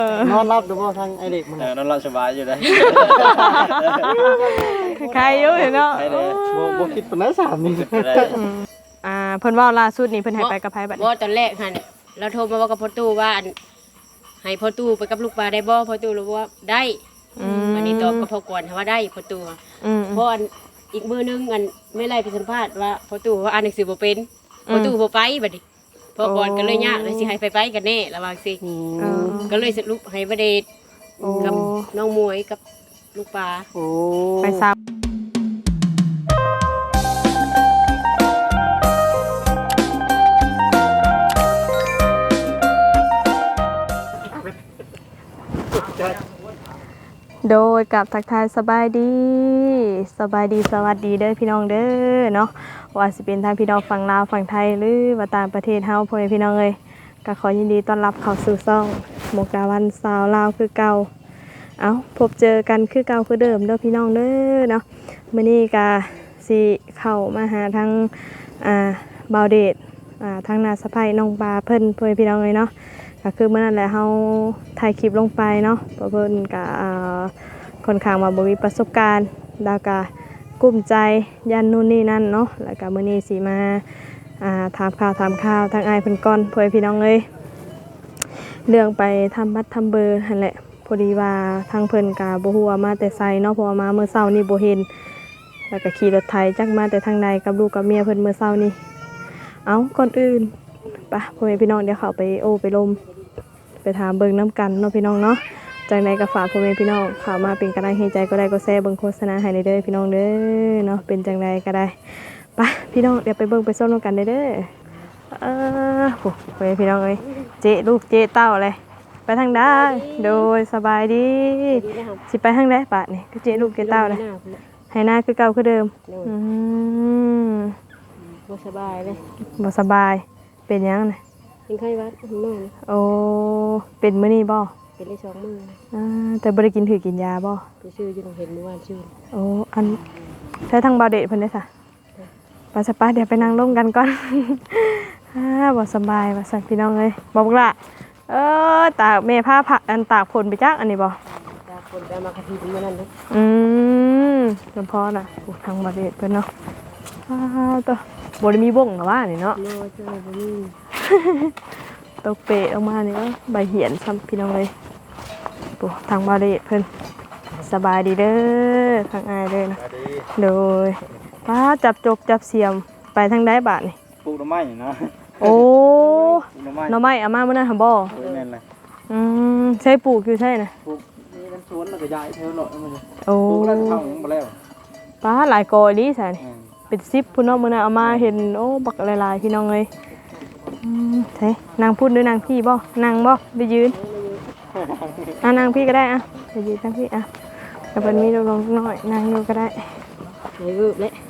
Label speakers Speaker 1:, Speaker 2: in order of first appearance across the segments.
Speaker 1: นอนรับดูบ่ทางไอเด็กมัน
Speaker 2: นอนหลับสบายอยู่ได้
Speaker 3: ใครอยู่เนาะ
Speaker 1: บ่คิดปานนั้น3นี่
Speaker 3: เพิ่นว่าล่าสุดนี่เพิ่นให้ไปกับไผบัดนี้
Speaker 4: บ่ตอนแรกหั่นเราโทรมาว่ากับพ่อตู้ว่าให้พ่อตู้ไปกับลูกปลาได้บ่พ่อตู้รู้ว่าได้อันนี้ตอบกับพ่อก่อนว่าได้พ่อตู้เพราะอีกมื้อนึงไม่ไล่ไปสัมภาษณ์ว่าพ่อตู้ว่าอ่านหนังสือบ่เป็นพ่อตู้บ่ไปบัดนี้พ่อก่อนก็เลยยากเลยสิให้ไปกันแน่ระวังสิก็เลยสรุปให้บ่ได้กับน้องมวยกับลูกปลา
Speaker 3: ไปซับโดยกับทักทายสบายดีสวัสดีเด้อพี่น้องเด้อเนาะว่าสิเป็นทางพี่น้องฝั่งลาวฝั่งไทยหรือว่าต่างประเทศเฮาพ่อแม่พี่น้องเอ้ยก็ขอยินดีต้อนรับเข้าสู่ช่องมุกดาวันสาวลาวคือเก่าพบเจอกันคือเก่าคือเดิมเด้อพี่น้องเด้อเนาะมื้อนี้ก็สิเข้ามาหาทางบ่าวเดชทางนาสะใภ้น้องปลาเพิ่นพ่อแม่พี่น้องเอ้ยเนาะก็คือเมื่อนั้นแหละเฮาถ่ายคลิปลงไปเนาะเพราะเพิ่นก็ค่อนข้างว่าบ่มีประสบการณ์แล้วก็กุ้มใจยันนู่นนี่นั่นเนาะแล้วก็มื้อนี้สิมาถามข่าวทางอ้ายเพิ่นก่อนพ่อพี่น้องเอ้ยเรื่องไปทำบัตรทำเบอร์หั่นแหละพอดีว่าทางเพิ่นก็บ่ฮู้ว่ามาแต่ไสเนาะเพราะว่ามาเมื่อเช้านี้บ่เห็นแล้วก็ขี่รถไถจักมาแต่ทางใดกับลูกกับเมียเพิ่นเมื่อเช้านี้ก่อนอื่นป่ะพ่อแม่พี่น้องเดี๋ยวเขาไปไปลมไปถามเบิ่งน้ำกันเนาะพี่น้องเนาะจากไหนก็ฝากพ่อแม่พี่น้องเข้ามาเป็นกำลังใจก็ได้ก็แชร์เบิ่งโฆษณาให้เด้อพี่น้องเด้อเนาะเป็นจังไดก็ได้ป่ะพี่น้องเดี๋ยวไปเบิ่งไปส้มน้ำกันเด้อพ่อแม่พี่น้องเอ้ยเจ๊ลูกเจ๊เต้าเลยไปทางใดโดยสบายดีสิไปทางใดป่ะนี่ก็เจ๊ลูกเจ๊เต้าเลยให้หน้าคือเก่าคือเดิม
Speaker 4: บ่สบายเลย
Speaker 3: บ่สบายเป็นยังไง
Speaker 4: เป็นไข้หวัดมื้อนี้
Speaker 3: โอ้เป็นมื้อนี้บ่
Speaker 4: เป็นได้2มื้อ
Speaker 3: แต่บ่ได้กินยาบ่
Speaker 4: ไปซื้ออยู่โรงเรียนเมื่อวานซื้อ
Speaker 3: โอ้อันใช้ทางบ่าวเดชเพิ่นได้ซะไปซะป้าเดี๋ยวไปนั่งลงกันก่อนบ่สบายว่าซั่นพี่น้องเอ้ยบ่บักล่ะตากแม่ผ้าผักอันตากฝนไปจักอันนี้บ่
Speaker 4: ตากฝนไปมากะทิเมื่อนั้นเด้
Speaker 3: จำพอน่ะโอ้ทางบ่าวเดชเพิ่นเนาะตัวบ่ได้มีบ่งหรอว่านี่เนาะตกเปะออกมานี่ก็ใบเหียนซ้ำพี่น้องเลยปุ๊ทางบาเดเพิ่นสบายดีเด้อทางอายเลยนะโดยป้าจับจกจับเสียมไปทางได้บาทนี่
Speaker 2: ปลูกหน่อไม้เนาะ
Speaker 3: โอ้หน่อไม้อามาเมื่อนั้นหำบ่ใช่ปลูกอยู่ใช่นะ
Speaker 2: ปลูกนี่มันสวนแล้วก็ย้ายเท่าหน่อยมัน
Speaker 3: โอ้
Speaker 2: ปลูกแล้วเข้ามาแล้ว
Speaker 3: ป้าหลายกอลีใส่เป็น10พุ่นเนาะมื้อนั้นเอามาเห็นโอ้บักหลายๆพี่น้องเลยใช่นางพูดด้วยนางพี่บ่นางบ่ไปยืนนางพี่ก็ได้ไปยืนนางพี่แต่เป็นมีลงน้อยนางอยู่ก็ได้
Speaker 4: รูปเลย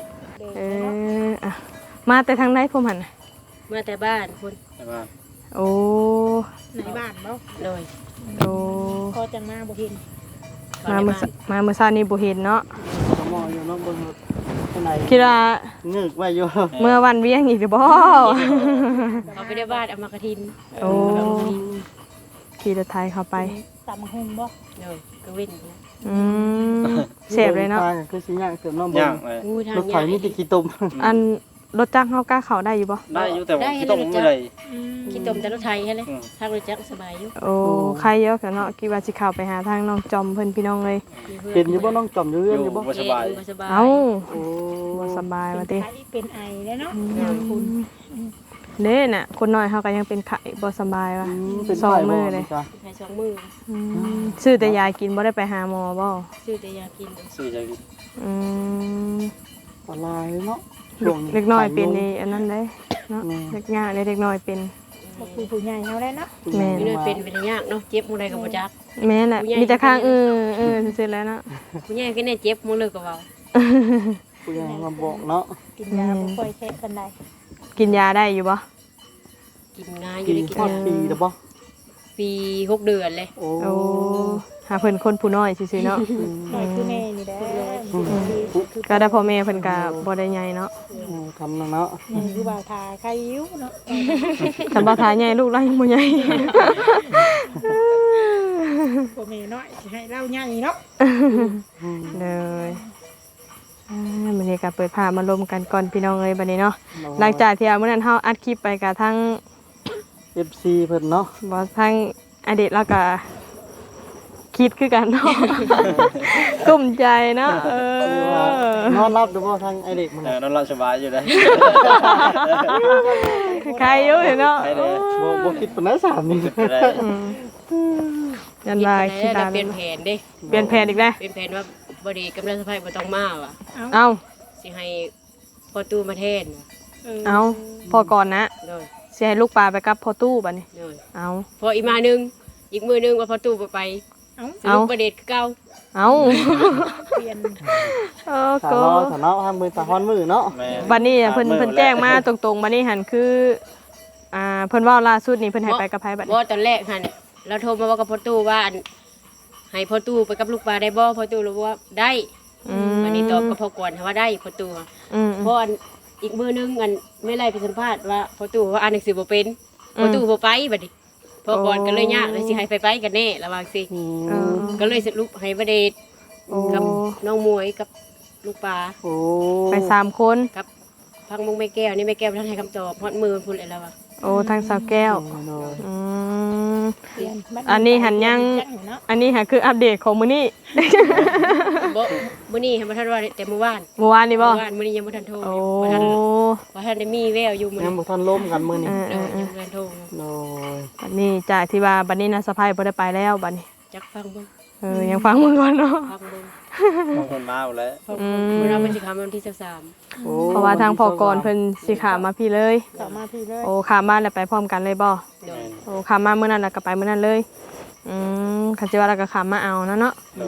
Speaker 3: มาแต่ทางไหนพวกมัน
Speaker 4: มาแต่บ้านคุณ
Speaker 3: โอ้
Speaker 5: ในบ้านบ่
Speaker 4: เลย
Speaker 3: โอ้
Speaker 5: พอจังมาบ่เห็น
Speaker 3: มาเมื่อเช้านี้บ่เห็นเนาะ
Speaker 1: มองอยู่เนาะเบิ่ง
Speaker 3: คิดว่า
Speaker 1: งึกไว้อยู่
Speaker 3: เมื่อวันเวียงอีกหรือบ่
Speaker 4: เขาไปได้บ้านเอามากระทิน
Speaker 3: โอ้ขี่รถไถเข้าไป
Speaker 5: ตามหุงบ่
Speaker 4: เลยก็วิ่ง
Speaker 3: เสพเลยเนาะ
Speaker 1: คือสิย่างเติมน้ำบ่รถไถนี่ติขี้ตุ่ม
Speaker 3: อันรถจักรเฮากล้าเข้าได้อยู่บ่
Speaker 2: ได้อยู่แต่ว่าขี้ตุ่มไม่ได้
Speaker 4: ขี้ตุ่มแต่รถไถใช่เลยทางรถจักรสบายอยู่
Speaker 3: โอ้ใครเยอะกันเนาะคิดว่าสิเข้าไปหาทางน้องจอมเพิ่นพี่น้องเลย
Speaker 1: เป็นอยู่บ่น้องจอมอยู่เรื่องอยู่บ่
Speaker 2: สบาย
Speaker 3: เอ้าบ่สบายว่าติ
Speaker 5: เป็นไอแล้วเนาะคุณ
Speaker 3: เด้น่ะคนน้อยเฮาก็ยังเป็นไข้บ่สบายว่ะ2มื้อเลย
Speaker 4: ไข้2มื้อ
Speaker 3: ซื้อแต่ยากินบ่ได้ไปหาหมอบ่
Speaker 4: ซื้อแต่ยากิน
Speaker 1: อะไรเนาะ
Speaker 3: เล็กน้อยเป็นนี่อันนั้นเด้เนาะเล็กยากเล็กน้อยเป็น
Speaker 5: ผู้ใหญ่เฮาได้เนาะ
Speaker 3: แม่
Speaker 4: นเป็นยากเนาะเจ็บมื้อใดก็บ่จัก
Speaker 3: แม่น่ะมีแต่ข้างซื่อๆแล้วเนาะ
Speaker 4: ผู้ใหญ่ก็เนี่ยเจ็บมื้อเลยก็เว้า
Speaker 1: ผู้ใหญ่มาบอกเนาะ
Speaker 5: กินยาบ่ค่อยแค่ปานใด
Speaker 3: กินยาได้อยู่บ่
Speaker 4: กินง่ายอยู่ได้กินยา
Speaker 1: ปีแล้วบ่
Speaker 4: ปี6 เดือนเลย
Speaker 3: โอ้หาเพิ่นคนผู้น้อยซื่อๆเนาะ
Speaker 5: น้อยคือแม่นี่แหละคือ
Speaker 3: ก็ได้พ่อแม่เพิ่นก็บ่ได้ใหญ่เนาะ
Speaker 1: ทำเนาะ
Speaker 5: นี่คือบ่าวทาใครยิ้วเนาะ
Speaker 3: คันบ่ทาใหญ่ลูกเรายังบ่ใหญ่
Speaker 5: พ่อแม่น้อยสิให้เราใหญ่เนาะ
Speaker 3: เลยมื้อนี้ก็เปิดภาพมาลมกันก่อนพี่น้องเอ้ยบัดนี้เนาะหลังจากที่มื้อนั้นเฮาอัดคลิปไปกับทั้ง
Speaker 1: FC เพิ่นเนาะ
Speaker 3: บ่ทั้งอดีตแล้วก็คิดคือกันเนาะ กลุ้มใจเนาะ
Speaker 1: นอนรับดูบ่ทางไอเด็กมัน
Speaker 2: นอนหลับสบายอยู่ได้
Speaker 3: ใครอยู่เนาะ
Speaker 2: ใครเลย
Speaker 1: บ่คิดปานใดสามนี่
Speaker 3: ยันว่า
Speaker 4: คิ
Speaker 3: คิ
Speaker 4: ด
Speaker 3: ด
Speaker 4: ได้
Speaker 3: ได้
Speaker 4: เปลี่ยนแผนเด้
Speaker 3: เปลี่ยนแผนอีกแล้ว
Speaker 4: เปลี่ยนแผนว่าบ่ดีกำลังสะพายบ่ต้องมาว่ะ
Speaker 3: เอ้า
Speaker 4: สิให้พ่อตู้มาแทน
Speaker 3: เอ้าพอก่อนนะ
Speaker 4: โดย
Speaker 3: สิให้ลูกปลาไปกับพ่อตู้บัดนี้
Speaker 4: โดย
Speaker 3: เอ้า
Speaker 4: พออีกมานึงอีกมือนึงว่าพ่อตู้บ่ไปสรุปประเด็นคือเก่า
Speaker 3: เอ้า
Speaker 5: เปลี่ยน
Speaker 1: สาวสาวเนาะทางมือตาฮ้อนมือเนาะ
Speaker 3: บัดนี้เพิ่นแจ้งมาตรงๆบัดนี้หันคือเพิ่นเว้าล่าสุดนี่เพิ่นให้ไปกับไผบัดนี้
Speaker 4: บ่ตอนแรกหั่นเราโทรมาว่ากับพ่อตู้ว่าอันให้พ่อตู้ไปกับลูกปลาได้บ่พ่อตู้รู้ว่าได้อันนี้ตอบกับพ่อกวนว่าได้พ่อตู้เพราะอันอีกมือนึงอันไม่ไล่ไปสัมภาษณ์ว่าพ่อตู้ว่าอ่านหนังสือบ่เป็นพ่อตู้บ่ไปบัดนี้พ่อกวนก็เลยยากเลยสิให้ไปกันแน่ระวังสิก็เลยสรุปให้ประเดชกับน้องมวยกับลูกปลา
Speaker 1: โอ้
Speaker 3: ไป3คน
Speaker 4: กับพังมงแม่แก้วนี่แม่แก้วท่านให้คำตอบฮอดมือพุ่นเลยแล้วว่ะ
Speaker 3: โอ้ทางสาวแก้ว
Speaker 5: เปลี่ยน
Speaker 3: อันนี้หันยังอันนี้หันคืออัปเดตของมื้อนี้
Speaker 4: บ่มื้อนี้ให้บ่ทันว่าแต่เมื่อวาน
Speaker 3: เมื่อวานนี่บ่
Speaker 4: เมื่อวานมื้อนี้ยังบ่ทันโทร
Speaker 3: โอ้
Speaker 4: บ่ทันได้มีแววอยู่มื้อ
Speaker 1: ยัง
Speaker 4: นี้
Speaker 1: บ่ทันล้มกันมื้อนี้
Speaker 4: ยังบ่ทันโทร
Speaker 1: โอ้ย
Speaker 3: บัดนี้จากที่ว่าบัดนี้นะสะพายบ่ได้ไปแล้วบัดนี้
Speaker 4: จักฟังเบิ่ง
Speaker 3: ยังฟังมึงก่อนเนาะ
Speaker 4: ฟังเบิ่ง
Speaker 2: บางคนมาหมดแล้ว
Speaker 4: มื้อเราเป็นสิคำวันที่23
Speaker 1: โอ้
Speaker 3: เพราะว่าทางพอกรเพิ่นสิขามาพี่เลย
Speaker 5: ต่อมาพี่เลย
Speaker 3: โอ้ขามาแล้วไปพร้อมกันเลยบ่
Speaker 4: โดย
Speaker 3: โอ้ขามามื้อนั้นแล้วก็ไปมื้อนั้นเลยคันสิว่าแล้วก็ขามาเอาเนาะเอา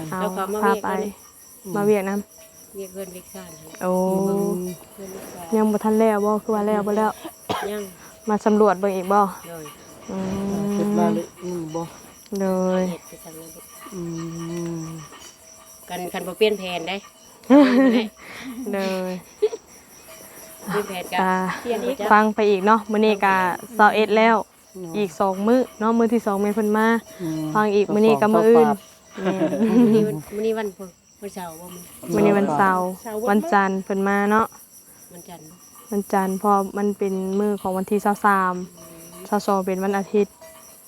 Speaker 4: แล้วก็มา
Speaker 3: พา
Speaker 4: เวียก
Speaker 3: ไป
Speaker 4: กันนี่
Speaker 3: มาเวียกนํ
Speaker 4: เวียกเพิ่นเวียกซ่านให้
Speaker 3: โอ้
Speaker 4: เพิ่นเวียกซ่าน
Speaker 3: ยังบ่ทันแล้วบ่คือว่าแล้วบ่แล้ว
Speaker 4: ยัง
Speaker 3: มาสำรวจเบิ่งอีกบ่
Speaker 4: โดย
Speaker 1: เฮ็ดมาเลยบ่
Speaker 3: เลย
Speaker 4: เฮ็ดไปสั่งแล้ว
Speaker 1: อืม
Speaker 4: กันคันบ่เปลี่ยนแผนได้
Speaker 3: เลย
Speaker 4: เปลี่ยนแผนกัน
Speaker 5: เปลี่ยนอีก
Speaker 3: ฟังไปอีกเนาะมื้อนี้ก็21แล้วอีก2มื้อเนาะมื้อที่2แม่นเพิ่นมาฟังอีกมื้อนี้ก็มื้ออื่น
Speaker 4: มื้อนี้วันพุธวันเสาร์บ่มื้อ
Speaker 3: มื้อนี้วันเสาร์วันจันทร์เพิ่นมาเนาะ
Speaker 4: วันจันทร์
Speaker 3: วันจันทร์เพอมันเป็นมื้อของวันที่23 22เป็นวันอาทิตย์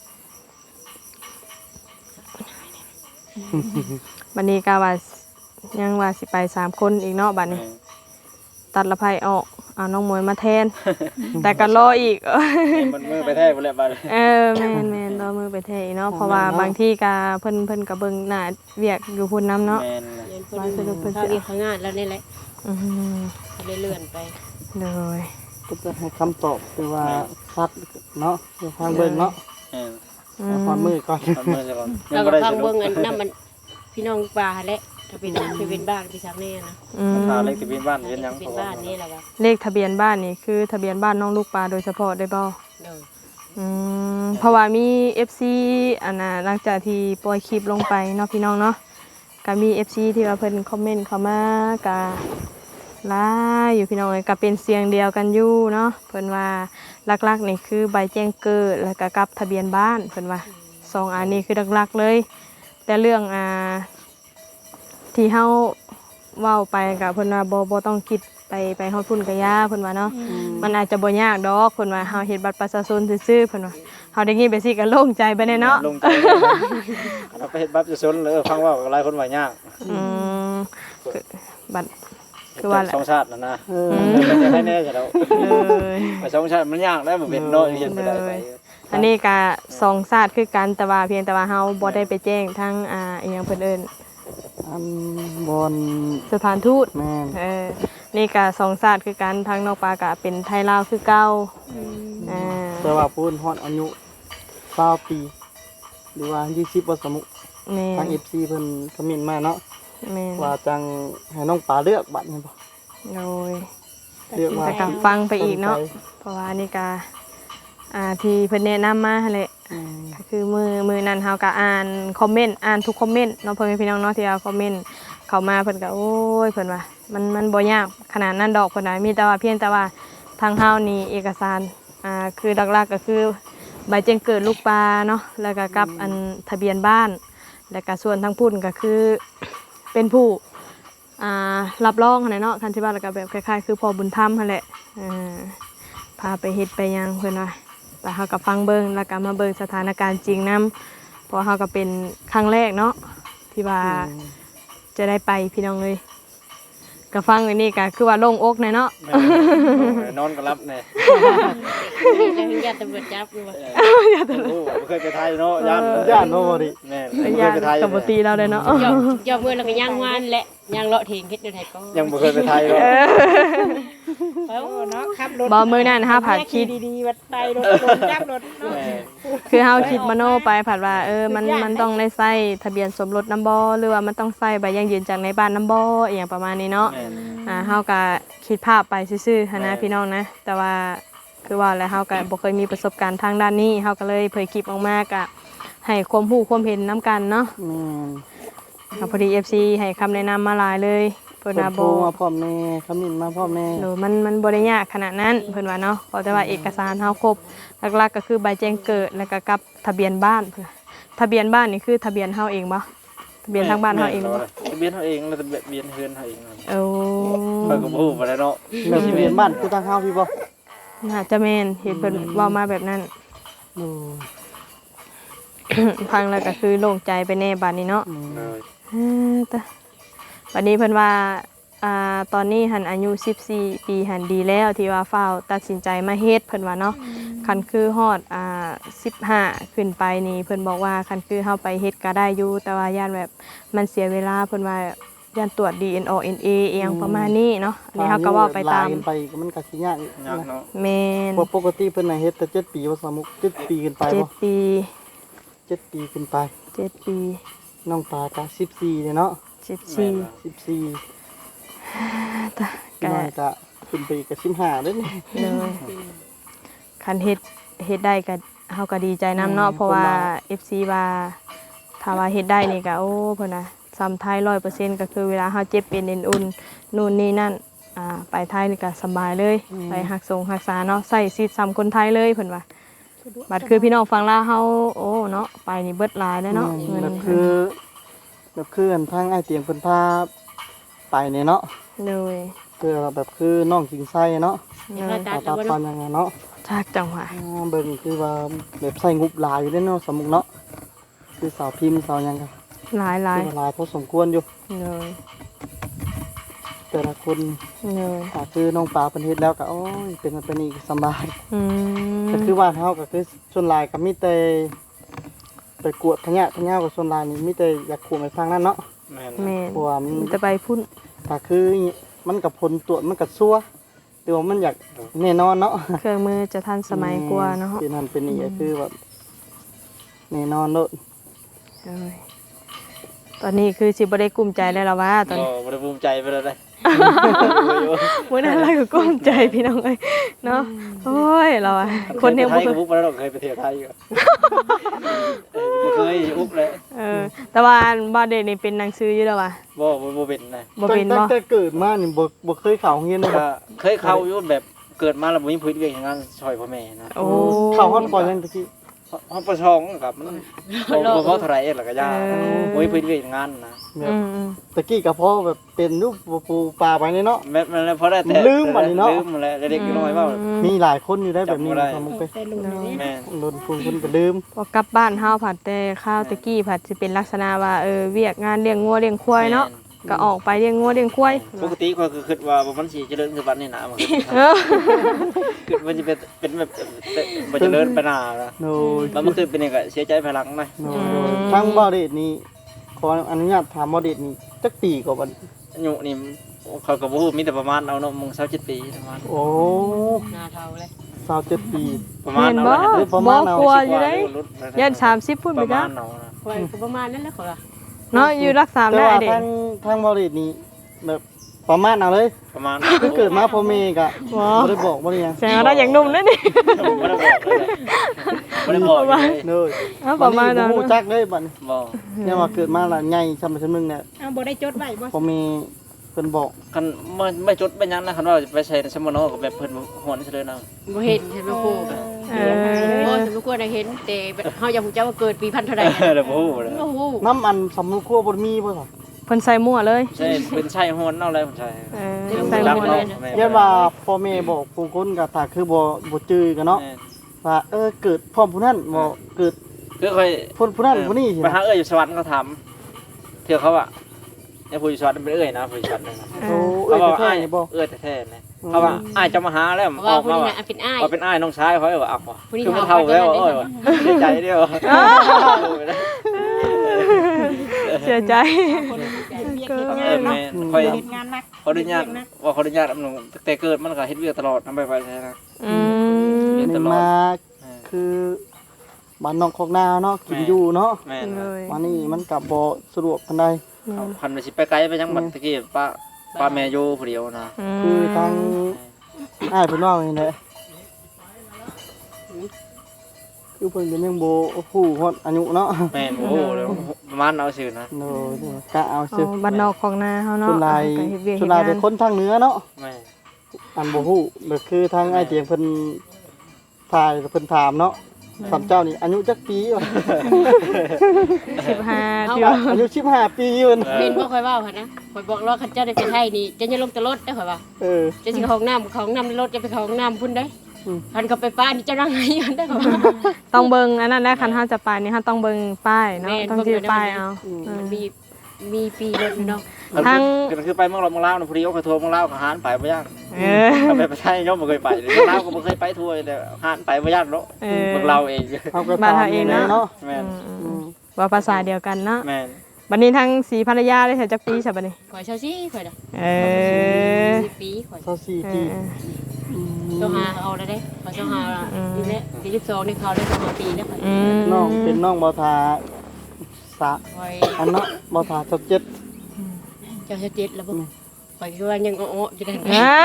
Speaker 3: บัดนี้ก็ว่ายังว่าสิไป3คนอีกเนาะบัดนี้ ตัดละไผออกเอาน้องมวยมาแทน แต่ก็รออีก
Speaker 2: มันมือไปแท้หมดแล้วบัด
Speaker 3: แม่นรอมือไปแทนอีกเนาะเพราะว่าบางที่ก็เพิ่นก็เบิ่งหน้าเวียกอยู่พุ่นนํเนาะ
Speaker 2: แม่น
Speaker 4: เรียนเพิ่นเขาเรียนเขางานแล้วนี่แหละ
Speaker 3: อือ
Speaker 4: เขาเลยเลื่อนไป
Speaker 3: เลย
Speaker 1: ก็จะให้คำตอบคือว่าชัดเนาะเดี๋ยวฟังเบิ่งเนาะ
Speaker 2: แม่น
Speaker 1: เอาฟังมือก่อน
Speaker 2: ทำมือซะก่อน
Speaker 4: เราก็ฟังเบิ่งอันนั้นมันพี่น้องปลาแหละถ้าเป็นบ้านพี่ชักแน่นะ
Speaker 2: พาเล็กที่บ้านเฮ็ดหยัง
Speaker 4: เป็นบ้านนี่แหละว่า
Speaker 3: เลขทะเบียนบ้านนี่คือทะเบียนบ้านน้องลูกปลาโดยเฉพาะได้บ่
Speaker 4: โดย
Speaker 3: เพราะว่ามี FC อันน่ะหลังจากที่ปล่อยคลิปลงไปเนาะพี่น้องเนาะก็มี FC ที่ว่าเพิ่นคอมเมนต์เข้ามาก็หลายอยู่พี่น้องเอ้ยก็เป็นเสียงเดียวกันอยู่เนาะเพิ่นว่าหลักๆนี่คือใบแจ้งเกิดแล้วก็กับทะเบียนบ้านเพิ่นว่าสองอันนี้คือหลักๆเลยแต่เรื่องที่เฮาเว้าไปก็เพิ่นว่าบ่ต้องคิดไปฮอดพุ่นก็ยาเพิ่นว่าเนาะมันอาจจะบ่ยากดอกเพิ่นว่าเฮาเฮ็ดบัตรประชาชนซื่อๆเพิ่นว่าเฮาได้ยินไปสิก็โล่งใจไปแน่เนาะ
Speaker 2: ลงใจเราไปเฮ็ดบัตรจะสนเลยฟังว่าหลายคนว่ายาก
Speaker 3: คือบัตรคือว่าแหละ
Speaker 2: สองชาตินั่นนะจะให้แน่จะแล้ว
Speaker 3: เลย
Speaker 2: ไปสองชาติมันยากแล้วบ่เป็นเนาะเรียนไปได้ไป
Speaker 3: อันนี้ก็สองชาติคือกันแต่ว่าเพียงแต่ว่าเฮาบ่ได้ไปแจ้งทั้งอีหยังเพิ่นเอิ้น
Speaker 1: อันบอน
Speaker 3: สถานทูต
Speaker 1: แม่น
Speaker 3: นี่ก็สองชาติคือกันทั้งนอกปลาก็เป็นไทยลาวคือเก่า
Speaker 1: แต่ว่าพูนฮอดอายุ20ปีหรือว่า20บ่สมมุ
Speaker 3: แม่
Speaker 1: ทาง FC เพิ่นคอมเมนต์มาเนาะ
Speaker 3: แม่
Speaker 1: ว่าจังให้น้องปลาเลือกบัตรนี่บ่
Speaker 3: โดย
Speaker 1: เลือกว่า
Speaker 3: แต่ก็ฟังไปอีกเนาะเพราะว่านี่ก็ที่เพิ่นแนะนำมาหั่นแหละ ก็คือมือนั้นเฮาก็อ่านคอมเมนต์อ่านทุกคอมเมนต์เนาะพ่อแม่พี่น้องเนาะที่เอาคอมเมนต์เข้ามาเพิ่นก็โอ้ยเพิ่นว่ามันบ่ยากขนาดนั้นดอกเพิ่นน่ะมีแต่ว่าเพียงแต่ว่าทางเฮานี่เอกสารคือหลักๆก็คือใบแจ้งเกิดลูกปลาเนาะแล้วก็กับอันทะเบียนบ้านแล้วก็ส่วนทางพุ่นก็คือเป็นผู้รับรองหั่นแหละเนาะคันสิว่าแล้วก็แบบคล้ายๆคือพ่อบุญธรรมหั่นแหละพาไปเฮ็ดไปหยังเพิ่นว่าแต่เฮาก็ฟังเบิ่งแล้วก็มาเบิ่งสถานการณ์จริงนํเพราะเฮาก็เป็นครั้งแรกเนาะที่ว่าจะได้ไปพี่น้องเลยก็ฟังอันนี้ก็คือว่าโล่งอกแน่เนาะ
Speaker 2: นอนก็รับแน่
Speaker 4: แล้วญาติตำรวจจับอยู่ว่า
Speaker 2: บ่เคยไปไทยเนาะย่าน
Speaker 1: ย่านโนบ่ดิ
Speaker 2: แม่
Speaker 3: ไอ้
Speaker 2: บ่เค
Speaker 3: ยาย
Speaker 2: ไปไทย
Speaker 3: กับปกติเราเลยเนาะ
Speaker 4: ยอมมือแล้วก็ย่างวานและย่างเลาะเถียงเฮ็ดเดี๋ยวไทยก็
Speaker 2: ยังบ่เคยไปไทยเนาะ
Speaker 5: เนาะขับรถ
Speaker 3: บ่มื้อนั้นฮะผัดคิด
Speaker 5: ดีๆวัดไปรถจับรถเนาะ
Speaker 2: แม่
Speaker 3: คือเฮาคิดมโนไปผัดว่ามันต้องได้ใส่ทะเบียนสมรสนำบ่หรือว่ามันต้องใส่ใบยังยืนจากในบ้านนำบ่อีหยังประมาณนี้เนาะ
Speaker 2: แม่
Speaker 3: เฮาก็คิดภาพไปซื่อๆหันนะพี่น้องนะแต่ว่าคือว่าแล้วเฮาก็บ่เคยมีประสบการณ์ทางด้านนี้เฮาก็เลยเผยคลิปออกมาก็ให้ความรู้ความเห็นนํกันเนาะ
Speaker 1: แม่น
Speaker 3: ก็พอดี FC ให้คำแนะนำมาหลายเลยเพิ่น
Speaker 1: เพิ่
Speaker 3: ว่าน
Speaker 1: โทร
Speaker 3: บ่
Speaker 1: มาพร้อมแม่คำมินมาพร้อมแม่
Speaker 3: หนูมันบ่ได้ยากขนาดนั้นเพิ่นว่าเนาะเพราะแต่ว่าเอกสารเฮาครบหลักๆก็คือใบแจ้งเกิดแล้วก็กับทะเบียนบ้านเพิ่นทะเบียนบ้านนี่คือทะเบียนเฮาเองบ่ทะเบียนทางบ้านเฮาเองบ่
Speaker 2: ทะเบียนเฮาเองแล้วทะเบียนเฮือนเฮาเอง
Speaker 3: โอ้
Speaker 2: ข่อยก็บ่ฮู้บ่ได้เนาะ
Speaker 1: แล้วทะเบียนบ้านคือทางเฮาพี่บ่
Speaker 3: น่าจะแม่นเห็นเพิ่นเว้ามาแบบนั้น
Speaker 1: โอ้
Speaker 3: ฟังแล้วก็คือโล่งใจไปแน่บัดนี้เนาะ
Speaker 2: เลย
Speaker 3: แต่บัดนี้เพิ่นว่าตอนนี้หันอายุ14ปีหันดีแล้วที่ว่าฟ้าวตัดสินใจมาเฮ็ดเพิ่นว่าเนาะคันคือฮอด15ขึ้นไปนี่เพิ่นบอกว่าคันคือเฮาไปเฮ็ดก็ได้อยู่แต่ว่าย่านแบบมันเสียเวลาเพิ่นว่าย่านตรวจ DNA เอียงประมาณนี้เนาะอันนี้เฮาก็เว้าไปตาม
Speaker 1: ลยไปมันก็สิยาก
Speaker 2: ยากเนาะ
Speaker 3: แม่น
Speaker 1: ปกติเพิ่นน่ะเฮ็ดแต่7ปีว่าสามุก7ปีขึ้นไปบ่
Speaker 3: 7ปี
Speaker 1: 7ปีขึ้นไป
Speaker 3: 7ปี
Speaker 1: น้องปลาก็14เนี่ยเนาะ
Speaker 3: 14
Speaker 1: 14
Speaker 3: แต่
Speaker 1: พี่น้อยก็ขึ้นไปอีกก็15เด้อนี่
Speaker 3: เลยคันเฮ็ดได้ก็เฮาก็ดีใจนํเนาะเพราะว่า FC ว่าถ้าว่าเฮ็ดได้นี่ก็โอ้เพิ่นน่ะซ้ำไทย 100% ก็คือเวลาเฮาเจ็บเป็นเอ็นอุ่นนู่นนี่นั่นไปไทยนี่ก็สบายเลยไปรักษาเนาะใส่ชีวิตซ้ำคนไทยเลยเพิ่นว่าบัดคือพี่น้องฟังลาวเฮาโอ้เนาะไปนี่เบิดหลายแล้วเนาะเงิน
Speaker 1: แบบคืออันทางอ้ายเตียงเพิ่นพาไปเนี่ยเนาะ
Speaker 3: เลย
Speaker 1: คือแบบคือน้องกิงไส้เนาะ
Speaker 4: เขาตัด
Speaker 1: ตา
Speaker 4: แล้ว
Speaker 1: ตา
Speaker 4: บ่
Speaker 1: ปาน
Speaker 4: เนาะ
Speaker 1: ยังไงเนาะ
Speaker 3: จากจังหวะ
Speaker 1: เบิ่งคือว่าแบบใส่งบหลายอยู่เด้อเนาะสมุกเนาะคือสาวพิมพ์สาวหยังก็
Speaker 3: หลาย
Speaker 1: คือว่าหลายพอสมควรอยู่
Speaker 3: เลย
Speaker 1: แต่ละคน
Speaker 3: เลย
Speaker 1: ถ้าคือน้องปลาเพิ่นเฮ็ดแล้วก็โอ้ยเป็นอีกสำบาย
Speaker 3: ม
Speaker 1: ก็คือว่าเฮาก็คือส่วนหลายก็มีแต่ไปกวดพะยะกับส่วนหลายนี่มีแต่อยากขู่ไปฟังนั่นเนาะ
Speaker 2: แม่น
Speaker 3: แม่น
Speaker 1: เพราะว่ามัน
Speaker 3: จะไปพุ่น
Speaker 1: ถ้าคือมันกับผลตรวจมันกับซัวแต่ว่ามันอยากแน่นอนเนาะ
Speaker 3: เครื่องมือจะทันสมัยกว่าเนาะ
Speaker 1: เป็นนั่นเป็นนี่ก็คือแบบแน่นอนโลด
Speaker 3: เลยตอนนี้คือสิบ่ได้กลุ้มใจได้แล้วว่าตอน
Speaker 2: ก็
Speaker 3: นี้
Speaker 2: บ่ได้ภูมิใจไปเลย
Speaker 3: มื้อนั้นเราก็กลุ้มใจพี่น้องเอ้ยเนาะโอ้ยเราอะคนยัง
Speaker 2: ไท
Speaker 3: บ่
Speaker 2: ย
Speaker 3: เค
Speaker 2: ก็
Speaker 3: ย
Speaker 2: บุกไปแล้วเคยไปเที่ยวไทยอยู่บ่เคยอุบเลย
Speaker 3: แต่ว่าบ่เด็กนี่เป็นหนังสืออยู่แล้วว่ะ
Speaker 2: บ่เป็นนะ
Speaker 3: บ่เป็น
Speaker 1: ตั้
Speaker 3: บ่
Speaker 1: งแต่เกิดมานี่บ่เคยเข้าโรงเรียนเลยบ่
Speaker 2: ก็เคยเข้าอยู่แบบเกิดมาแล้วบ่มีพื้นเวียกอย่างนั้นช่วยพ่อแม่นะ
Speaker 3: โอ้
Speaker 1: เข้าฮอดปอยังตะกี้
Speaker 2: ห้องประชองกับมันบ่พอเท่าไหร่หรอกก็ยาบ่มีพื้นเวียกอย่างนั้นนะ
Speaker 1: แบ
Speaker 3: อื
Speaker 1: บ
Speaker 3: ม
Speaker 1: ตะกี้ก็พอแบบเป็นรูปปูปลาไปนี่เนาะ
Speaker 2: แม่มันพอได้แต่
Speaker 1: ลืมบัดนี้เนาะ
Speaker 2: ลืมแล้วเด็กๆน้อยว่า
Speaker 1: มีหลายคนอยู่ได้แบบนี้
Speaker 2: จำบ่ได้
Speaker 1: ทำมุกไป
Speaker 5: แต่ลุงนี่
Speaker 2: แม่
Speaker 1: โดนคุณก็ลืม
Speaker 3: พอกลับบ้านเฮาผัดแต่ข้าวตะกี้ผัดสิเป็นลักษณะว่าเวียกงานเลี้ยงงัวเลี้ยงควายเนาะก็ออกไปเลี้ยงงัวเลี้ยงควาย
Speaker 2: ปกติก็คือคิดว่าบ่มันสิเจริญคือบัดนี้นะมัน
Speaker 3: เออ
Speaker 2: คือมันจะเป็นแบบบ่เจริญไปหน้านะ
Speaker 1: โนย
Speaker 2: แล้วมันคือเป็นอย่างก็เสียใจภายหลังนะ
Speaker 1: โนยทั้งบอเดตนี้ขออนุญาตถามบอเดตนี้จักปีกว่าบัด
Speaker 2: อายุนี่เขาก็บ่ฮู้มีแต่ประมาณเอาเนาะมึง27ปีประมาณ
Speaker 1: โอ้
Speaker 4: หน้าเท่าเลย
Speaker 1: 27ปี
Speaker 2: ประมาณ
Speaker 3: เห็น
Speaker 2: เอา
Speaker 3: บ่
Speaker 2: นะ
Speaker 1: ประมา
Speaker 3: บ่
Speaker 1: ณเอา
Speaker 3: กลัวอยู่เด้ยัน30พุ่น
Speaker 2: ป
Speaker 3: ไประ จ้ะ
Speaker 2: มาณเอานะ
Speaker 4: คอยก็ประมาณนั้นแหละเขาล่ะ
Speaker 3: เนาะอยู่รักษา
Speaker 1: แต่
Speaker 3: ได้
Speaker 1: ว่า
Speaker 3: เด็ก
Speaker 1: ทางบอเดตนี้แบบประมาณเอาเลย
Speaker 2: ประมาณ
Speaker 1: คือเกิดมาพ่อแม่ก็
Speaker 3: บ่
Speaker 1: บ่ได้บอกบ่ได้หยัง
Speaker 3: แสดงว่าเราอย่างหนุ่มนั่นนี่
Speaker 2: บ่ได้บอกเลย
Speaker 1: เด้อ
Speaker 3: เอาประมาณ
Speaker 1: นั้
Speaker 3: นั้น น
Speaker 1: ฮู้จักเลยบัดนี้
Speaker 2: บ่
Speaker 1: เนี่ยว่าเกิดมาแล้วใหญ่ซำซั่นนึงเนี่ย
Speaker 5: เอาบ่ได้จดไว้บ่
Speaker 1: พ่อแม่เพิ่นบอก
Speaker 2: คันไม่จดไปยังนะคันว่าไปใช้ในสมโนก็แบบเพิ่นหวนซะเลยนะ
Speaker 4: บ่เห็นใช่ไหมครู
Speaker 3: เอ
Speaker 4: โอ้
Speaker 3: อ
Speaker 4: สมควรได้เห็นแต่เฮาอยากรู้จักว่าเกิดปีพันเท่าใด
Speaker 2: เดี๋ยวบ่ฮู้เลย
Speaker 4: โอ้โห
Speaker 1: น้ำอันสำนุครัวบ่มีบ่ครับ
Speaker 3: เพิ่นใส่มั่วเลย
Speaker 2: ใช่เป็นใช่หวนเอาอะไรผมใช่
Speaker 3: เออ
Speaker 2: ใส่
Speaker 3: ใส่
Speaker 2: ห
Speaker 3: มั่ว
Speaker 2: ว
Speaker 3: เล
Speaker 2: น
Speaker 3: ย
Speaker 1: ยันว่าพ่อแม่บอกผู้คนก็ถ้าคือบ่จื้อกันเนาะว่าเกิดพร้อมผู้นั้นบ่เกิด
Speaker 2: คือค่อย
Speaker 1: ผู้นั้นผู้นี้สิ
Speaker 2: ไปหาอยู่สวรรค์เขาถามเถื่อเขาอ่ะเนี่ยผู้อยู่สวรรค์เป็นนะผู้อยู่สวรรค์นะ
Speaker 1: โอ้
Speaker 2: เขาบอก
Speaker 1: แท้
Speaker 2: อ้าย
Speaker 1: ๆนี่บ่
Speaker 2: แท้ๆนะเขาว่าอ้ายจะมาหาแล้ว
Speaker 4: เพราะ
Speaker 2: อ
Speaker 4: ว่า
Speaker 2: อก
Speaker 4: ผู้
Speaker 2: มา
Speaker 4: นี้
Speaker 2: ว่า
Speaker 4: น่ะเป็นอ้าย
Speaker 2: เป็นอ้ายน้องชายเขาว่าอ่ะ
Speaker 4: ผู้นี้
Speaker 2: คือมันเท่าแล้วโอ้ยเสียใจเดียว
Speaker 3: เสียใจ
Speaker 5: คนเฮ็ดเวียกเฮ็ด
Speaker 2: เอง
Speaker 5: าน
Speaker 2: อ
Speaker 5: เนาะ
Speaker 2: แม่ค่อย
Speaker 5: เฮ็ดงานหนัก
Speaker 2: ขออนุญาตว่าขออนุญาตอำนงแต่เกิดมันก็เฮ็ดเวียกตลอดนำไปใช่นะ
Speaker 3: อืม
Speaker 1: นี่มาคือบ้านนอกคอกนาเนาะกินอยู่เนาะ
Speaker 2: แม่
Speaker 3: เลย
Speaker 1: มานี่มันก็บ่สะดวกปานใด
Speaker 2: พันไปสิไปไกลไปยังบัดตะกี้ป้าแม่อยู่ผู้เดียวนะ
Speaker 1: คือทางอ้ายเพิ่นว่าอย่างนี้แหละคือเพิ่นก็ยังบ่ฮู้ฮอดอายุเนาะ
Speaker 2: แม่นโอ้โหประมาณเอาซื่อนะ
Speaker 1: โนกะเอา
Speaker 3: เอา
Speaker 1: ซื่อ
Speaker 3: บ้านนอกของนาเฮาเนาะ
Speaker 1: ส่วนหลาย
Speaker 3: ก็เฮ็ดเวียก
Speaker 1: ส่
Speaker 3: เฮ็
Speaker 1: วน
Speaker 3: ด
Speaker 1: หลาย
Speaker 3: งา
Speaker 1: เป็น
Speaker 3: น
Speaker 1: คนทางเหนือเนาะ
Speaker 2: แม่
Speaker 1: อันบ่ฮู้ก็คือทางอ้ายเตียงเพิ่นถ่ายเพิ่นถามเนาะสามเจ้านี่อายุจักปีวะ
Speaker 3: 15เดียว
Speaker 1: อายุ15ปีเพิ่น
Speaker 4: เห็นบ่ค่อยเว้าหั่นนะข่อยบอกรอคันเจ้าได้ไปไทยนี่จะอย่าลงแต่รถได้อข่อยว่า
Speaker 1: เออ
Speaker 4: จะสิเข้าห้องน้ำในรถจะไปเข้าห้องน้ำพุ่นได้
Speaker 1: อืม
Speaker 4: คันก็ไปป้านี่เจะนั่งไหนกันได้อข่อยว่า
Speaker 3: ต้องเบิ่งอันนั้นนะคันเฮาจะไปนี่เฮาต้องเบิ่งป้ายเนาะ
Speaker 4: แม่น
Speaker 3: ต้องชื่อ
Speaker 4: เบิ่ง
Speaker 3: ป้าย
Speaker 4: เดี๋ยว
Speaker 3: เอา
Speaker 4: มันมีปีรถอยู่เนาะ
Speaker 3: ทั้ง
Speaker 2: คือไปเมืองลาวนะผู้เดียวก็ทัวร์เมืองลาวก็หานไปบ่ยาก
Speaker 3: เออ
Speaker 2: ไปประเทศย่อมบ่เคยไปเมืองลาวก็บ่เคยไปทัวร์แต่หานไปบ่ยากเนาะ
Speaker 3: เออ
Speaker 2: เมืองลาวเอง
Speaker 1: เฮาก็
Speaker 3: บ้าน
Speaker 1: ตาม
Speaker 3: เฮาเองเนาะ
Speaker 1: เนาะ
Speaker 2: แม่น
Speaker 1: อืม
Speaker 3: ว่าภาษาเดียวกันเนาะ
Speaker 2: แม่น
Speaker 3: บัดนี้ทั้งสีภรรยาได้เสียจักปีใช่บัดนี้
Speaker 4: ข่อยเช่าซี่ข่อยน่ะ
Speaker 3: เออ
Speaker 4: 10 ปีข่อย
Speaker 1: 24
Speaker 3: เอ
Speaker 1: ปี
Speaker 3: อ
Speaker 4: เจ้าหาเอาได้ข่อยเจ้าหานี่แหละปี12นี่เขาได้สองปีแล้วข่อย
Speaker 3: อืม
Speaker 1: น้องเป็นน้องบ่ทาสะ
Speaker 4: ข่อย
Speaker 1: อันเนาะบ่ทา27
Speaker 4: เจ้าเจ็ดแล้วบ่ข่อยคือว่ายังอ้อๆอยู่ได้
Speaker 3: อ่า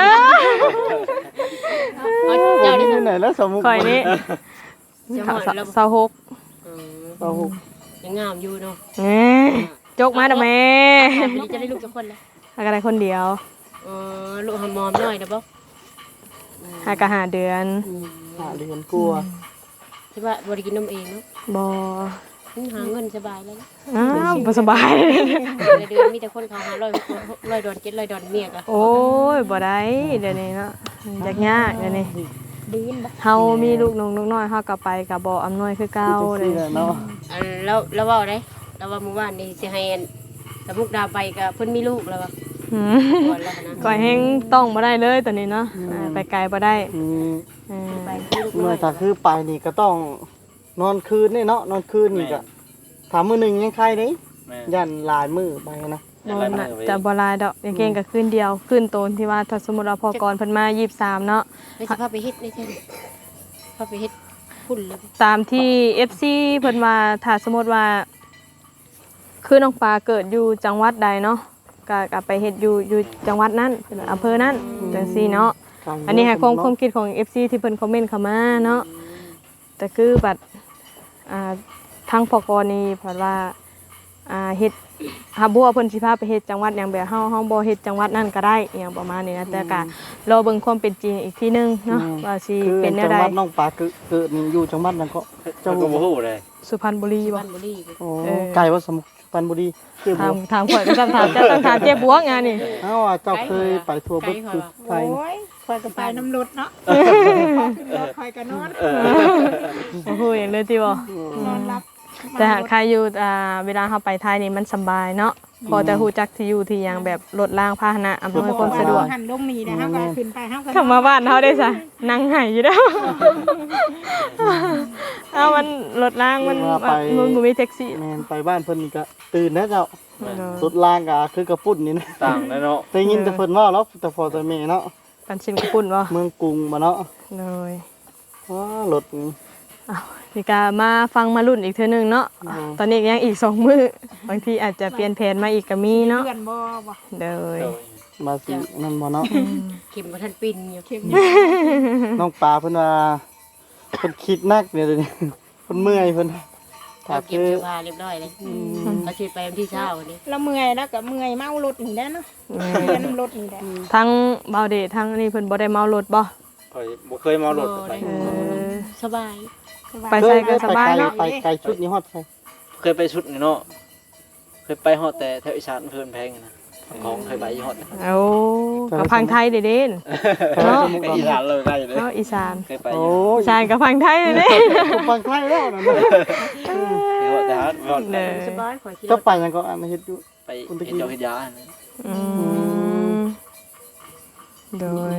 Speaker 4: เจ้าได้
Speaker 1: ที่ไหนแล้วสมุก
Speaker 3: ข่อยนี่
Speaker 4: เจ้าหาแล้ว
Speaker 3: เสาหก
Speaker 1: เราหก
Speaker 4: ยังงามอยู่เนาะ
Speaker 3: เอ้ยจกมาเด้อแม่
Speaker 4: มันจะได้ลูกจักคนแล้ว
Speaker 3: หากอะไรคนเดียว
Speaker 4: ลูกหอมๆหน่อยนะบ่
Speaker 3: หากะหาเดือน
Speaker 1: หาเรียนกลัว
Speaker 4: ใช่ป่ะบ่ได้กินนมเองเนาะ
Speaker 3: บ่
Speaker 4: หาเงินสบายแล้ว
Speaker 3: อ้าวบ่สบาย
Speaker 4: เดือนมีแต่คนเขาหา100 $100 $700เมียก็
Speaker 3: โอ้ยบ่ได้เดี๋ยวนี้เนาะยากเดี๋ยวนี้
Speaker 5: ดีนบ่
Speaker 3: เฮามีลูกน้อยเฮาก็ไปก็บ่อำนวยคือเก่า
Speaker 1: จัง
Speaker 3: เล
Speaker 1: ซี่
Speaker 3: ย
Speaker 1: แหละเนาะ
Speaker 4: แล้วเว้าได้แล้วว่าเมื่อวานนี่สิให้สมุกดาไปก็เพิ่นมีลูกแล้วว่า
Speaker 3: หืม
Speaker 4: ก่อนแล้วนะ
Speaker 3: ก่อยแฮงต้องบ่ได้เลยตอนนี้เนาะไปไกลบ่ได้
Speaker 1: มี
Speaker 3: เออ
Speaker 4: ไปมีลูก
Speaker 1: เมื่อถ้าคือไปนี่ก็ต้องนอนคืนนี่เนาะนอนคืนนี่ก็ถามมื้อหนึงยังใครเด้
Speaker 2: แม่น
Speaker 1: ยันหลายมื้อไปนะ
Speaker 3: บ่น่ะจะบ่หลายดอกอย่างเก่งก็คืนเดียวคืนโตนที่ว่าถ้าสมมุติว่าพอกรเพิ่นมา23เนาะ
Speaker 4: ไม่สิพาไปเฮ็ดได้ใช่ไหมพาไปเฮ็ดพุ่นแล้ว
Speaker 3: ตามที่ FC เพิ่นว่าถ้าสมมุติว่า คือน้องปลาเกิดอยู่จังหวัดใดเนาะก็ไปเฮ็ดอยู่จังหวัดนั้นอำเภอนั้นจังซี่เนาะอันนี้ให้ความคิดของ FC ที่เพิ่นคอมเมนต์เข้ามาเนาะแต่คือบัดทางพกนี่เพิ่นว่าเฮ็ดหาบัวเพิ่นสิพาไปเฮ็ดจังหวัดหยังแบบเฮาบ่เฮ็ดจังหวัดนั้นก็ได้อหยังประมาณนี้นะแต่ก็รอเบิ่งความเป็นจริงอีกทีนึงเนาะว่าสิ
Speaker 1: คือ
Speaker 3: เป็นแน
Speaker 1: จั
Speaker 3: ว
Speaker 1: ง
Speaker 3: ใด
Speaker 1: หวัดน้องปลาเกิดนี่อยู่จังหวัดนั้นก็
Speaker 2: เจ้าก็บ่ฮู้เลย
Speaker 3: สุพรรณบุรีบ่
Speaker 4: บ้านบุรี
Speaker 1: โอ้ไกลว่าสมุพรรณบุรีคือบ่
Speaker 3: ถามข่อยก็ต้องถามเจ้าต้องถามเจ๊บวกงานนี่
Speaker 1: เอ้าว่าเจ้าเคยไปทัวร์เบิดคือไทย
Speaker 5: โอ้ยข่อยก็ไปน้ำรถเนาะพอขึ้นรถข่อยก็นอน
Speaker 3: โอ้โหอย่างเลยติบ่
Speaker 5: นอนรับ
Speaker 3: แต่หากใครอยู่เวลาเราไปไทยนี่มันสำบายเนาะพอจะฮู้จักที่อยู่ที่หยังแบบรถล่างพาหนะอำนวยความสะดวก
Speaker 5: หันลงนี่นะเฮาก็ขึ้นไปเฮาก็
Speaker 3: เข้ามาบ้านเฮาได้ซะนั่งไห้อยู่แล้วเอามันรถล่างมันบ่มีแท็กซี่
Speaker 1: แม่นไปบ้านเพิ่นนี่ก็ตื่นนะเจ้าสุดล่างก็คือกระปุ่นนี่นะ
Speaker 2: ต่างเลยเนาะ
Speaker 1: ได้ยินแต่เพิ่นเว้าเนาะแต่พอแต่แม่เนาะ
Speaker 3: ปันชินกระปุ่นบ่
Speaker 1: เมืองกรุงมาเนาะ
Speaker 3: เลย
Speaker 1: ว้ารถนี่
Speaker 3: นี่ก็มาฟังมารุ่นอีกเทื่อนึงเนาะตอนนี้ยังอีก2มื้อบางทีอาจจะเปลี่ยนแผนมาอีกก็มีเนาะ
Speaker 5: เพื่อนบ่
Speaker 3: เด้อ
Speaker 2: โดย
Speaker 1: มาสินั่นบ่เนาะ
Speaker 4: เข็มบ่ทันปินอยู่
Speaker 1: น้องปลาเพิ่นว่าเพิ่นคิดนักเดี๋ยวนี้เพิ่นเมื่อยเพิ่น
Speaker 4: เราเก็บเสื้อผ้าเรียบร้อยเลยเขาสิไปวันที่เช้านี่
Speaker 5: เราเมื่อยแล้วก็เมื่อยเมารถนี่แหละเนาะเดินน้ำรถนี่แหละ
Speaker 3: ทั้งเบาเดททั้งนี่เพิ่นบ่ได้เมารถบ่
Speaker 2: ข่อยบ่เคยเมารถไป
Speaker 4: สบาย
Speaker 3: ไปใส่ก็สบายเนาะ
Speaker 1: ไปไกลชุดนี้ฮอดใส่
Speaker 2: เคยไปชุดนี่เนาะเคยไปฮอดแต่แถวอีสานเพิ่นแพงนะของเคยไปฮอด
Speaker 3: โอ้กับพังไทยเด้เด่น เนาะ
Speaker 2: อีสานเลยได้เลย
Speaker 3: เนาะอีสาน
Speaker 2: เคยไป
Speaker 1: โอ้ย
Speaker 3: อีสานกับพังไทยเด้
Speaker 1: ผมฟังไทยแล้วนั่นน่ะ
Speaker 2: เดี๋ยวแต่ฮอดฮอด
Speaker 3: เด้อ
Speaker 4: สบายขอคิด
Speaker 1: ก็ไปยังก็อันเฮ็ดอยู่
Speaker 2: ไปเฮ็ดเจ้าเฮ็ดยานะ
Speaker 3: อืมโดย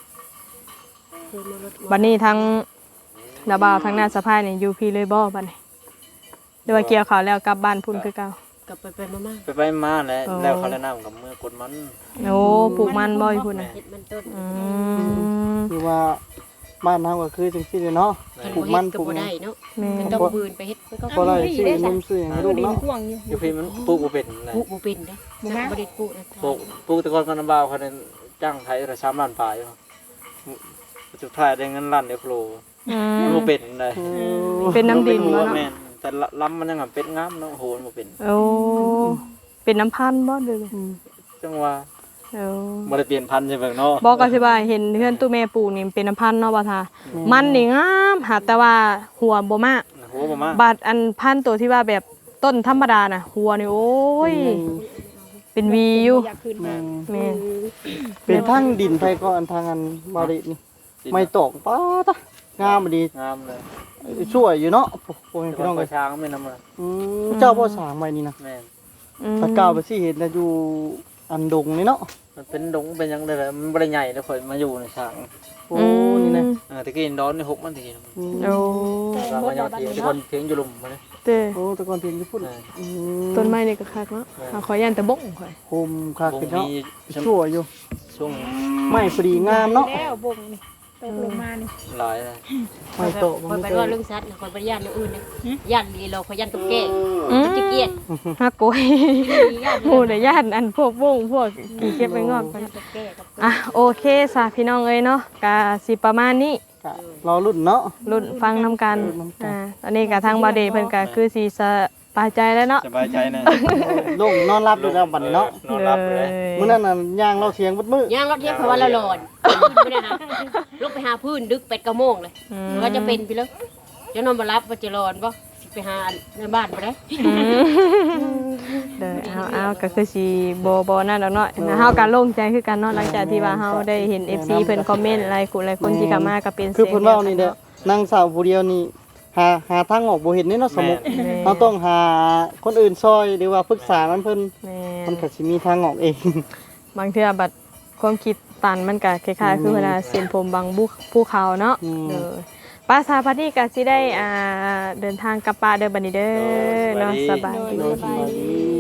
Speaker 3: บัดนี้ทั้งนาบ่าวทั้งหน้าสะพายนี่อยู่พี่เลยบ่บัดนี้หรือว่าเกี่ยวข้าวแล้วกลับบ้านพุ่นคือเก่าก
Speaker 4: ลับไปมา
Speaker 2: ไปมาแล้วเขาแนะนำกับเมื่อกดมัน
Speaker 3: โอ้ปลูกมันบ่อยู่พุ่นน่ะ
Speaker 4: เฮ็ดมันต้น
Speaker 3: อืม
Speaker 1: คือว่าบ้านเฮาก็คือจังซี่เนาะปลูกมันป
Speaker 4: ก็
Speaker 1: ลูก
Speaker 4: บ่
Speaker 1: หยัง
Speaker 4: ได้เนาะ
Speaker 3: แม่
Speaker 4: มันต้องบืนไปเฮ็ดมันก็
Speaker 1: บ่ได้ซื้อนมซื้อหยังให้ลูก
Speaker 5: ดิน
Speaker 1: เนาะ
Speaker 5: พ่วงอยู่
Speaker 2: อยู่พี่มันปลูกบ่เป็นนะ
Speaker 4: ปลูกบ่เป็นเด้บ่ได้ปลูกนะ
Speaker 2: ปลูกแต่ก่อนก็น้ำบ่าวเขาเนี่ยจ้างไทยละ3ล้านปลายอยู่สุดท้ายได้เงินล้านเดียวโคร
Speaker 3: อื
Speaker 2: มัน
Speaker 3: ม
Speaker 2: บ่เป็นเลย
Speaker 3: เป็นน้ำดินบ่
Speaker 2: บ่
Speaker 3: เนาะ
Speaker 2: แม่นแต่ล้ำมันยังเป็ดงามเนาะโหมันบ่เป็น
Speaker 3: โอ้เป็นน้ำพันธุ์บ่เด้อ
Speaker 2: จังว่า
Speaker 3: โอ้
Speaker 2: บ่ได้เปลี่ยนพันธุ์ใช่เบิ่งเนาะ
Speaker 3: บอกก็สิว่าเห็นเพื่อนตู้แม่ปลูกนี่เป็นน้ำพันธุ์เนาะว่าท่ามันนี่งามหาแต่ว่าหัวบ่มาก
Speaker 2: หัวบ่มา
Speaker 3: บาดอันพันธุ์ตัวที่ว่าแบบต้นธรรมดาน่ะหัวนี่โอ้ยเป็นวีอยู่
Speaker 5: อยากขึ้นมา
Speaker 3: แม่น
Speaker 1: เป็นทางดินไปก็อันทางอันบรินี่ไม่ตกป้าตะงามดี
Speaker 2: งามเลย
Speaker 1: ช่วยอยู่เนาะโอ้ย
Speaker 2: แต่
Speaker 1: พี่น้อง
Speaker 2: ก็
Speaker 1: เอ้ย
Speaker 2: ช้างไม่นำมา
Speaker 1: เจ้าบ่สร้างไว้นี่นะ
Speaker 2: แม่น
Speaker 3: อืม
Speaker 1: ตะกาวไปสิเห็นนะอยู่อันดงนี่เนาะ
Speaker 2: มันเป็นดงเป็นหยังได้เลยมันบ่ได้ใหญ่แล้วข่อยมาอยู่ในช้าง
Speaker 1: โอ้นี่นะ
Speaker 2: ตะกี้ดอนนี่6มันตะกี้
Speaker 3: โอ้
Speaker 2: เรามายอดเทียงทุกคนเทียงอยู่ลุมมาเลย
Speaker 3: เต้
Speaker 1: โอ้ตะกอนเพียงญี่ปุ่น
Speaker 3: ต้นไม้นี่ก็คักเนาะหาขอยันแต่บงข่อย
Speaker 1: โฮมคัก
Speaker 2: วง
Speaker 1: เป็นเนาะ
Speaker 2: มี
Speaker 1: ช่วยอยู่
Speaker 2: ช่วง
Speaker 1: ไม่พอดีงามเนาะ
Speaker 5: แล้วบงนี่ตกลงมานี่
Speaker 2: หลายเลย
Speaker 1: ไม่โต
Speaker 4: ค
Speaker 1: มัน
Speaker 4: นไป
Speaker 1: ไม่
Speaker 4: ว่า
Speaker 1: โต
Speaker 4: เรื่องสัตว์คนไปย่านอื่นนะย่านดีเราขยันตุ๊กแก
Speaker 3: อืม
Speaker 4: ตุ๊กเกียด
Speaker 3: ฮักโกยหมู่ได้ญาติอันพวกวงพวกกี่เก็บไปงอกกัน
Speaker 4: ตุ๊กแกกับ
Speaker 3: อ่ะโอเคสาพี่น้องเอ้ยเนาะกะสิประมาณนี้
Speaker 1: กะรอรุ่นเนาะ
Speaker 3: รุ่นฟังนำกัน
Speaker 1: รุ่นนำกัน
Speaker 3: ตอนนี้กะทางบาเดเพิ่นกะคือสิสบายใจแล้วเนาะ
Speaker 2: สบายใจนะ
Speaker 1: ลงนอนรับด้วยแล้วบัดนี้เนาะ
Speaker 2: นอนรับเลย
Speaker 1: มื้อนั้นน่ะย่างเราเสียงบัดมื้อย่าง
Speaker 4: รถเที่ยงเพราะว่าเราหลอนไม่ได้หาลุกไปหาพื้นดึกเป็ดกระโมงเลยว่าจะเป็นไปแล้วจะนอนมารับว่าจะรอนบ่ไปหาในบ้านไปเลย
Speaker 3: เด้อเอาก็คือสิบ่นั่นดอกเนาะเฮาก็โล่งใจคือกันเนาะหลังจากที่ว่าเฮาได้เห็น FC เพิ่นคอมเมนต์หลายคนที่เข้ามาก็เป็น
Speaker 1: คือเพิ่นเว้านี่เด้อนางสาวผู้เดียวนี่หาทางออกบ่เห็นนี่เนาะสมมุติเราต้องหาคนอื่นซอยหรือว่าปรึกษามันเพิ่น
Speaker 3: แม่
Speaker 1: มันก็สิมีทางออกเอง
Speaker 3: บางเทื่อบัดความคิดตันมันก็คล้ายๆคือเวลาเส้นผมบางภูเขาเนาะเด้อป้าสาพานี่ก็สิได้เดินทางกลับป่าเด้อบัดนี้เด้อเนาะสบายดี
Speaker 1: โดยสบายดี